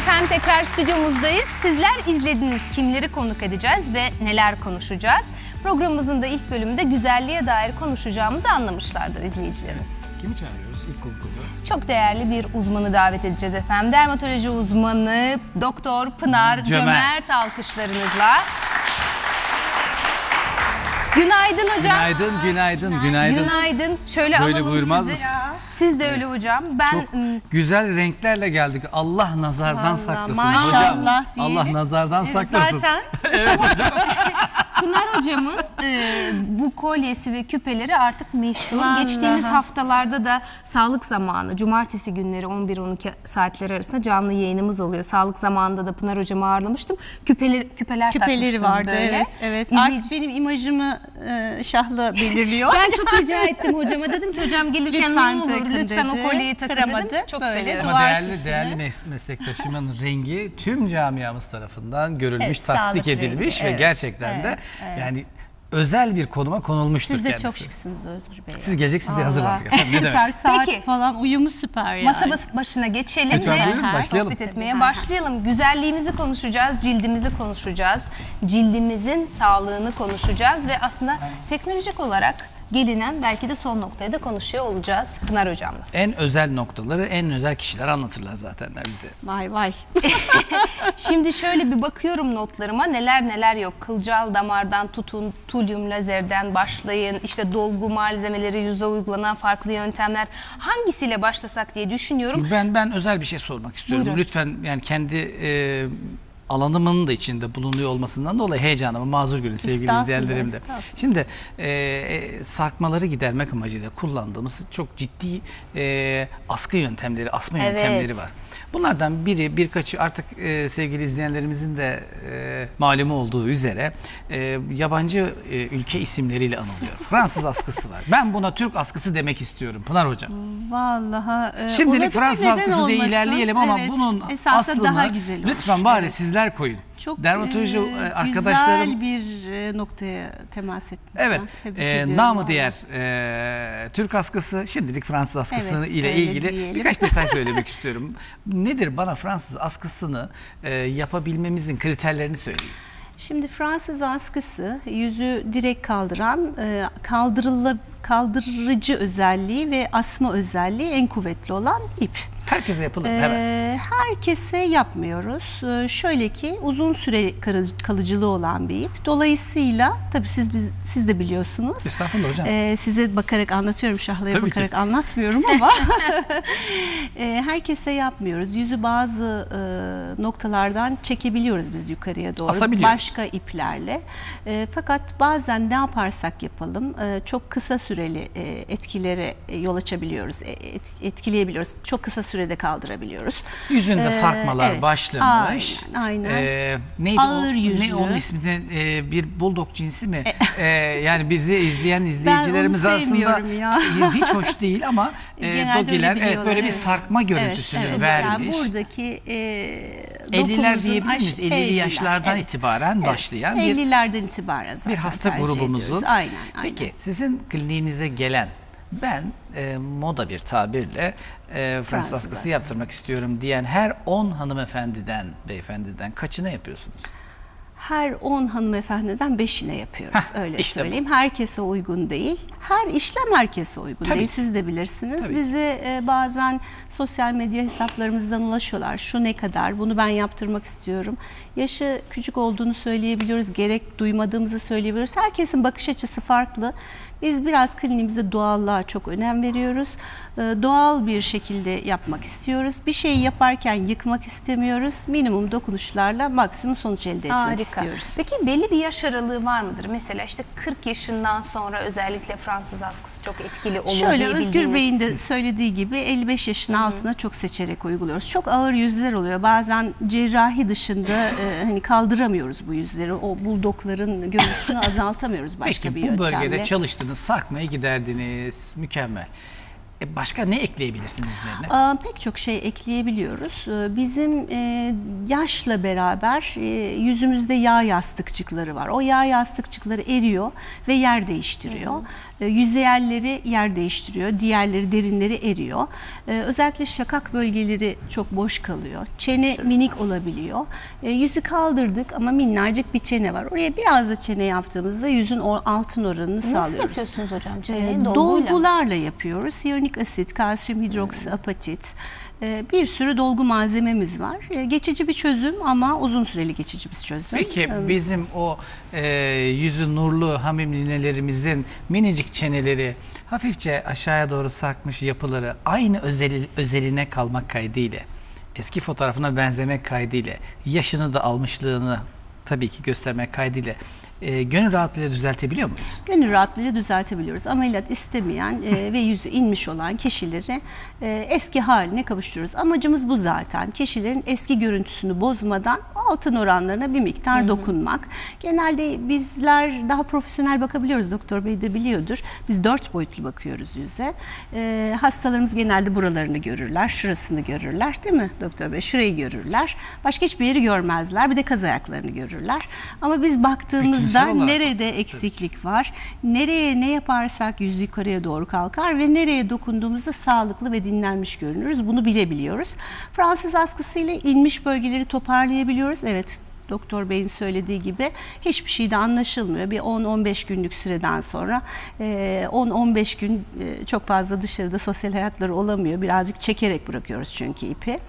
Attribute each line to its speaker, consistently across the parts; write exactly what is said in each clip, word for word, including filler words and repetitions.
Speaker 1: efendim, tekrar stüdyomuzdayız. Sizler izlediniz, kimleri konuk edeceğiz ve neler konuşacağız. Programımızın da ilk bölümünde güzelliğe dair konuşacağımızı anlamışlardır izleyicilerimiz.
Speaker 2: Kimi çağırıyoruz ilk konuk olarak?
Speaker 1: Çok değerli bir uzmanı davet edeceğiz efendim. Dermatoloji uzmanı Doktor Pınar Cömert, Cömert alkışlarınızla. Günaydın hocam.
Speaker 2: Günaydın, günaydın, günaydın.
Speaker 1: Günaydın. Şöyle
Speaker 2: Böyle
Speaker 1: alalım
Speaker 2: buyurmaz
Speaker 1: sizi.
Speaker 2: mısın?
Speaker 1: Siz de öyle hocam. Ben
Speaker 2: Çok güzel renklerle geldik. Allah nazardan
Speaker 3: Vallahi,
Speaker 2: saklasın
Speaker 3: maşallah
Speaker 2: hocam.
Speaker 3: diyelim.
Speaker 2: Allah nazardan
Speaker 3: Evet,
Speaker 2: saklasın.
Speaker 3: zaten.
Speaker 2: Evet hocam.
Speaker 1: Pınar hocamın e, bu kolyesi ve küpeleri artık meşhur.
Speaker 3: Vallahi.
Speaker 1: Geçtiğimiz haftalarda da sağlık zamanı, cumartesi günleri on bir on iki saatleri arasında canlı yayınımız oluyor. Sağlık zamanında da Pınar hocamı ağırlamıştım. Küpeler, küpeler
Speaker 3: Küpeleri vardı,
Speaker 1: böyle.
Speaker 3: evet. evet.
Speaker 1: İzleyici...
Speaker 3: Artık benim imajımı e, şahla belirliyor.
Speaker 1: Ben çok rica ettim hocama. Dedim ki hocam gelirken
Speaker 3: Lütfen
Speaker 1: ne olur
Speaker 3: takın
Speaker 1: lütfen
Speaker 3: dedi.
Speaker 1: o kolyeyi takın
Speaker 3: Kıramadı.
Speaker 1: dedim. Çok
Speaker 3: Böyle
Speaker 1: seviyorum.
Speaker 2: Ama
Speaker 3: duvar
Speaker 2: değerli,
Speaker 3: süsünü.
Speaker 2: değerli mes meslektaşımın rengi tüm camiamız tarafından görülmüş,
Speaker 3: Evet,
Speaker 2: tasdik
Speaker 3: sağlık
Speaker 2: edilmiş
Speaker 3: rengi,
Speaker 2: ve
Speaker 3: evet,
Speaker 2: gerçekten
Speaker 3: evet,
Speaker 2: de
Speaker 3: evet.
Speaker 2: yani özel bir konuma konulmuştur
Speaker 3: Siz de
Speaker 2: kendisi.
Speaker 3: çok şıksınız Özgür Bey.
Speaker 2: Siz gelecek, siz de
Speaker 3: Vallahi.
Speaker 2: hazırlandık efendim. Ne demek?
Speaker 3: Süper, saat
Speaker 1: Peki.
Speaker 3: falan uyumu süper yani.
Speaker 1: Masa başına geçelim
Speaker 2: Lütfen
Speaker 1: ve
Speaker 2: buyurun, başlayalım.
Speaker 1: sohbet etmeye
Speaker 3: Tabii.
Speaker 1: başlayalım. Güzelliğimizi konuşacağız, cildimizi konuşacağız, cildimizin sağlığını konuşacağız ve aslında teknolojik olarak gelinen belki de son noktayı da konuşuyor olacağız Pınar hocamla.
Speaker 2: En özel noktaları en özel kişiler anlatırlar zatenler bize.
Speaker 3: Vay vay.
Speaker 1: Şimdi şöyle bir bakıyorum notlarıma, neler neler yok. Kılcal damardan tutun, tulyum lazerden başlayın, işte dolgu malzemeleri, yüze uygulanan farklı yöntemler, hangisiyle başlasak diye düşünüyorum.
Speaker 2: Ben ben özel bir şey sormak istiyorum.
Speaker 1: Buyurun.
Speaker 2: Lütfen, yani kendi e, alanımın da içinde bulunuyor olmasından dolayı heyecanımı mazur görün sevgili
Speaker 3: Estağfurullah,
Speaker 2: izleyenlerim de.
Speaker 3: estağfurullah.
Speaker 2: Şimdi e, e, sarkmaları gidermek amacıyla kullandığımız çok ciddi e, askı yöntemleri, asma
Speaker 1: Evet.
Speaker 2: yöntemleri var. Bunlardan biri, birkaçı artık e, sevgili izleyenlerimizin de e, malumu olduğu üzere e, yabancı e, ülke isimleriyle anılıyor. Fransız askısı var. Ben buna Türk askısı demek istiyorum Pınar hocam.
Speaker 3: Vallahi. E,
Speaker 2: Şimdilik
Speaker 3: olabilir,
Speaker 2: Fransız
Speaker 3: neden
Speaker 2: askısı diye
Speaker 3: olmasın?
Speaker 2: ilerleyelim ama
Speaker 3: Evet,
Speaker 2: bunun
Speaker 3: esasında
Speaker 2: aslını
Speaker 3: daha güzel olur.
Speaker 2: lütfen bari
Speaker 3: Evet.
Speaker 2: sizler koyun.
Speaker 3: Çok
Speaker 2: Dermatoloji
Speaker 3: e,
Speaker 2: arkadaşlarım,
Speaker 3: güzel bir e, noktaya temas etmiş.
Speaker 2: evet,
Speaker 3: Tebrik
Speaker 2: e,
Speaker 3: ediyorum
Speaker 2: namı
Speaker 3: vallahi.
Speaker 2: diğer e, Türk askısı, şimdilik Fransız askısı
Speaker 3: Evet,
Speaker 2: ile
Speaker 3: öyle
Speaker 2: ilgili
Speaker 3: diyelim.
Speaker 2: birkaç detay söylemek istiyorum. Nedir, bana Fransız askısını e, yapabilmemizin kriterlerini söyleyin.
Speaker 3: Şimdi Fransız askısı yüzü direkt kaldıran, e, kaldırıla, kaldırıcı özelliği ve asma özelliği en kuvvetli olan ip.
Speaker 2: Herkese yapılır mı?
Speaker 3: Ee,
Speaker 2: Hemen.
Speaker 3: herkese yapmıyoruz. Ee, şöyle ki uzun süre kalı- kalıcılığı olan bir ip. Dolayısıyla tabii siz biz, siz de biliyorsunuz.
Speaker 2: Estağfurullah hocam.
Speaker 3: Ee, size bakarak anlatıyorum, şahlaya
Speaker 2: Tabii
Speaker 3: bakarak
Speaker 2: ki.
Speaker 3: anlatmıyorum ama ee, herkese yapmıyoruz. Yüzü bazı e, noktalardan çekebiliyoruz biz yukarıya doğru.
Speaker 2: Asabiliyoruz.
Speaker 3: Başka iplerle. E, fakat bazen ne yaparsak yapalım e, çok kısa süreli e, etkilere e, yol açabiliyoruz. E, et, etkileyebiliyoruz. Çok kısa sürede kaldırabiliyoruz.
Speaker 2: Yüzünde
Speaker 3: Ee,
Speaker 2: sarkmalar
Speaker 3: evet.
Speaker 2: başlamış.
Speaker 3: Aynen, aynen.
Speaker 2: Ee, neydi
Speaker 3: Ağır
Speaker 2: o?
Speaker 3: yüzlü.
Speaker 2: Ne onun ismi? Ee, bir bulldog cinsi mi? Ee, yani bizi izleyen
Speaker 3: Ben
Speaker 2: izleyicilerimiz
Speaker 3: onu
Speaker 2: aslında
Speaker 3: sevmiyorum ya.
Speaker 2: hiç hoş değil ama e,
Speaker 3: Genelde
Speaker 2: dogiler
Speaker 3: öyle
Speaker 2: evet,
Speaker 3: biliyorlar,
Speaker 2: böyle bir
Speaker 3: evet.
Speaker 2: sarkma görüntüsünü
Speaker 3: Evet, evet.
Speaker 2: vermiş.
Speaker 3: Yani buradaki e,
Speaker 2: elliler
Speaker 3: dokumuzun
Speaker 2: diyebilir miyiz?
Speaker 3: aş-
Speaker 2: ellili
Speaker 3: elliler,
Speaker 2: yaşlardan
Speaker 3: evet.
Speaker 2: itibaren
Speaker 3: Evet,
Speaker 2: başlayan bir
Speaker 3: ellilerden itibaren zaten
Speaker 2: bir hasta
Speaker 3: tercih
Speaker 2: grubumuzun.
Speaker 3: ediyoruz. Aynen, aynen.
Speaker 2: Peki sizin kliniğinize gelen, ben e, moda bir tabirle e, Fransız
Speaker 3: Fransız
Speaker 2: askısı
Speaker 3: askısı.
Speaker 2: yaptırmak istiyorum diyen her on hanımefendiden, beyefendiden kaçına yapıyorsunuz?
Speaker 3: Her on hanımefendiden beşine yapıyoruz.
Speaker 2: Heh,
Speaker 3: öyle
Speaker 2: işte
Speaker 3: söyleyeyim. Herkese uygun değil. Her işlem herkese uygun
Speaker 2: Tabii
Speaker 3: değil.
Speaker 2: ki.
Speaker 3: Siz de bilirsiniz.
Speaker 2: Tabii
Speaker 3: Bize e, bazen sosyal medya hesaplarımızdan ulaşıyorlar. Şu ne kadar? Bunu ben yaptırmak istiyorum. Yaşı küçük olduğunu söyleyebiliyoruz. Gerek duymadığımızı söyleyebiliyoruz. Herkesin bakış açısı farklı. Biz biraz kliniğimize doğallığa çok önem veriyoruz. Ee, doğal bir şekilde yapmak istiyoruz. Bir şeyi yaparken yıkmak istemiyoruz. Minimum dokunuşlarla maksimum sonuç elde etmek
Speaker 1: Harika.
Speaker 3: istiyoruz.
Speaker 1: Peki belli bir yaş aralığı var mıdır? Mesela işte kırk yaşından sonra özellikle Fransız askısı çok etkili olur
Speaker 3: Şöyle
Speaker 1: diye
Speaker 3: Özgür
Speaker 1: bildiğiniz-
Speaker 3: Bey'in de söylediği gibi elli beş yaşın altına çok seçerek uyguluyoruz. Çok ağır yüzler oluyor. Bazen cerrahi dışında e, hani kaldıramıyoruz bu yüzleri. O buldokların görüntüsünü azaltamıyoruz başka
Speaker 2: Peki
Speaker 3: bir
Speaker 2: bu
Speaker 3: yöntemle.
Speaker 2: bölgede çalıştınız, sarkmayı giderdiniz, mükemmel. E başka ne ekleyebilirsiniz üzerine?
Speaker 3: Aa, pek çok şey ekleyebiliyoruz. Ee, Bizim e, yaşla beraber e, yüzümüzde yağ yastıkçıkları var. O yağ yastıkçıkları eriyor ve yer değiştiriyor. Hı hı. E, yüzeyelleri yer değiştiriyor, diğerleri, derinleri eriyor. E, özellikle şakak bölgeleri çok boş kalıyor. Çene Şurası. minik olabiliyor. E, yüzü kaldırdık ama minnacık bir çene var. Oraya biraz da çene yaptığımızda yüzün o altın oranını
Speaker 1: Nasıl
Speaker 3: sağlıyoruz.
Speaker 1: Nasıl yapıyorsunuz hocam çeneyi?
Speaker 3: E,
Speaker 1: Dolguyla.
Speaker 3: Dolgularla yapıyoruz. Siyonik asit, kalsiyum hidroksiapatit, e, bir sürü dolgu malzememiz var. E, geçici bir çözüm ama uzun süreli geçici bir çözüm.
Speaker 2: Peki
Speaker 3: E,
Speaker 2: bizim o e, yüzü nurlu hamim ninelerimizin minicik çeneleri hafifçe aşağıya doğru sarkmış yapıları aynı özeli, özeline kalmak kaydıyla, eski fotoğrafına benzemek kaydıyla, yaşını da almışlığını tabii ki göstermek kaydıyla E, gönül rahatlığıyla düzeltebiliyor muyuz?
Speaker 3: Gönül rahatlığıyla düzeltebiliyoruz. Ameliyat istemeyen e, ve yüzü inmiş olan kişileri e, eski haline kavuşturuyoruz. Amacımız bu zaten. Kişilerin eski görüntüsünü bozmadan altın oranlarına bir miktar Hı-hı. dokunmak. Genelde bizler daha profesyonel bakabiliyoruz. Doktor Bey de biliyordur. Biz dört boyutlu bakıyoruz yüze. E, hastalarımız genelde buralarını görürler, şurasını görürler, değil mi Doktor Bey? Şurayı görürler. Başka hiçbir yeri görmezler. Bir de kaz ayaklarını görürler. Ama biz baktığımız nerede eksiklik var, nereye ne yaparsak yüz yukarıya doğru kalkar ve nereye dokunduğumuzda sağlıklı ve dinlenmiş görünürüz. Bunu bilebiliyoruz. Fransız askısıyla inmiş bölgeleri toparlayabiliyoruz. Evet, Doktor Bey'in söylediği gibi hiçbir şey de anlaşılmıyor. Bir on on beş günlük süreden sonra on on beş gün çok fazla dışarıda sosyal hayatları olamıyor. Birazcık çekerek bırakıyoruz çünkü ipi.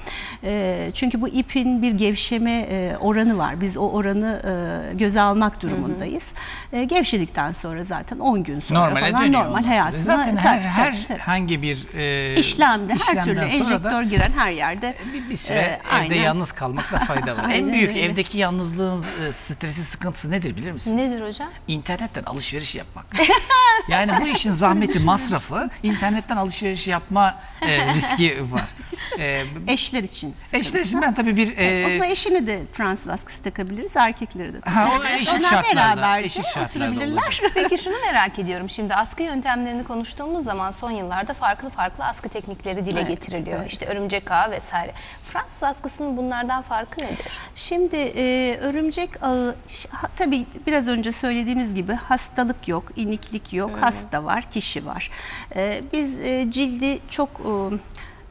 Speaker 3: Çünkü bu ipin bir gevşeme oranı var. Biz o oranı göze almak durumundayız. Hı hı. Gevşedikten sonra zaten on gün sonra
Speaker 2: Normale
Speaker 3: falan normal hayatına.
Speaker 2: Zaten her,
Speaker 3: tabii,
Speaker 2: her
Speaker 3: tabii, tabii.
Speaker 2: herhangi bir e,
Speaker 3: işlemde, her türlü enjektör
Speaker 2: da,
Speaker 3: giren her yerde
Speaker 2: bir, bir süre
Speaker 3: e,
Speaker 2: evde
Speaker 3: aynen.
Speaker 2: yalnız kalmakta fayda var. En büyük öyle. Evdeki yalnızlığın e, stresi, sıkıntısı nedir bilir misiniz?
Speaker 1: Nedir hocam?
Speaker 2: İnternetten alışveriş yapmak. Yani bu işin zahmeti, masrafı, internetten alışveriş yapma e, riski var.
Speaker 3: E, eşler için.
Speaker 2: Eşler için ben tabii bir... E,
Speaker 3: o zaman eşini de Fransız askısı takabiliriz, erkekleri de.
Speaker 2: Ha, o eşit şartlarda, eşit şartlarda olacak.
Speaker 1: Peki şunu merak ediyorum. Şimdi askı yöntemlerini konuştuğumuz zaman son yıllarda farklı farklı askı teknikleri dile evet, getiriliyor. Evet. İşte örümcek ağı vesaire. Fransız askısının bunlardan farkı nedir?
Speaker 3: Şimdi e, örümcek ağı, tabii biraz önce söylediğimiz gibi hastalık yok, iniklik yok, hmm. hasta var, kişi var. E, biz e, cildi çok... E,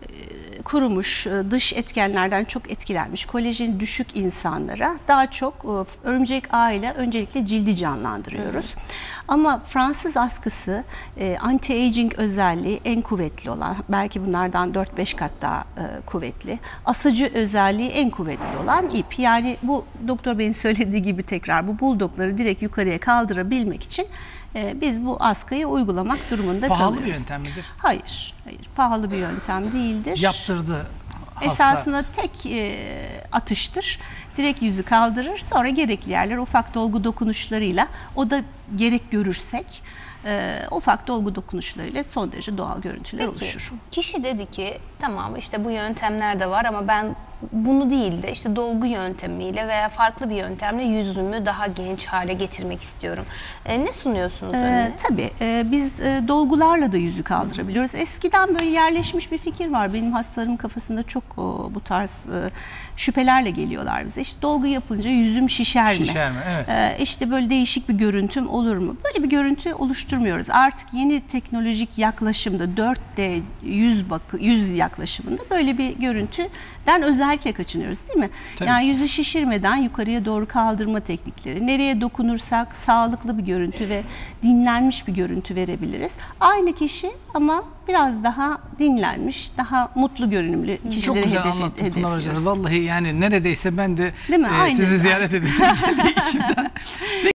Speaker 3: kurumuş, dış etkenlerden çok etkilenmiş, kolajeni düşük insanlara daha çok örümcek ağıyla öncelikle cildi canlandırıyoruz. Hı hı. Ama Fransız askısı anti-aging özelliği en kuvvetli olan, belki bunlardan dört beş kat daha kuvvetli, asıcı özelliği en kuvvetli olan ip. Yani bu Doktor Bey'in söylediği gibi tekrar bu buldokları direkt yukarıya kaldırabilmek için biz bu askıyı uygulamak durumunda
Speaker 2: pahalı
Speaker 3: kalıyoruz.
Speaker 2: Pahalı bir yöntem midir?
Speaker 3: Hayır, hayır. Pahalı bir yöntem değildir.
Speaker 2: Yaptırdı hasta.
Speaker 3: Esasında tek e, atıştır. Direkt yüzü kaldırır. Sonra gerekli yerler ufak dolgu dokunuşlarıyla, o da gerek görürsek e, ufak dolgu dokunuşlarıyla son derece doğal görüntüler Peki, oluşur.
Speaker 1: Kişi dedi ki tamam işte bu yöntemler de var ama ben bunu değil de işte dolgu yöntemiyle veya farklı bir yöntemle yüzümü daha genç hale getirmek istiyorum. E, ne sunuyorsunuz
Speaker 3: ee,
Speaker 1: önüne?
Speaker 3: Tabii e, biz e, dolgularla da yüzü kaldırabiliyoruz. Eskiden böyle yerleşmiş bir fikir var. Benim hastalarımın kafasında çok o, bu tarz e, şüphelerle geliyorlar bize. İşte dolgu yapınca yüzüm şişer mi?
Speaker 2: Şişer mi? Evet.
Speaker 3: E, işte böyle değişik bir görüntüm olur mu? Böyle bir görüntü oluşturmuyoruz. Artık yeni teknolojik yaklaşımda dört D yüz bakı yüz yaklaşımında böyle bir görüntüden özel özellikle kaçınıyoruz değil mi? Tabii. Yani yüzü şişirmeden yukarıya doğru kaldırma teknikleri. Nereye dokunursak sağlıklı bir görüntü ve dinlenmiş bir görüntü verebiliriz. Aynı kişi ama biraz daha dinlenmiş, daha mutlu görünümlü kişileri hedef, hedefliyoruz.
Speaker 2: Vallahi yani neredeyse ben de
Speaker 3: e,
Speaker 2: sizi ziyaret edesim geldi içimden.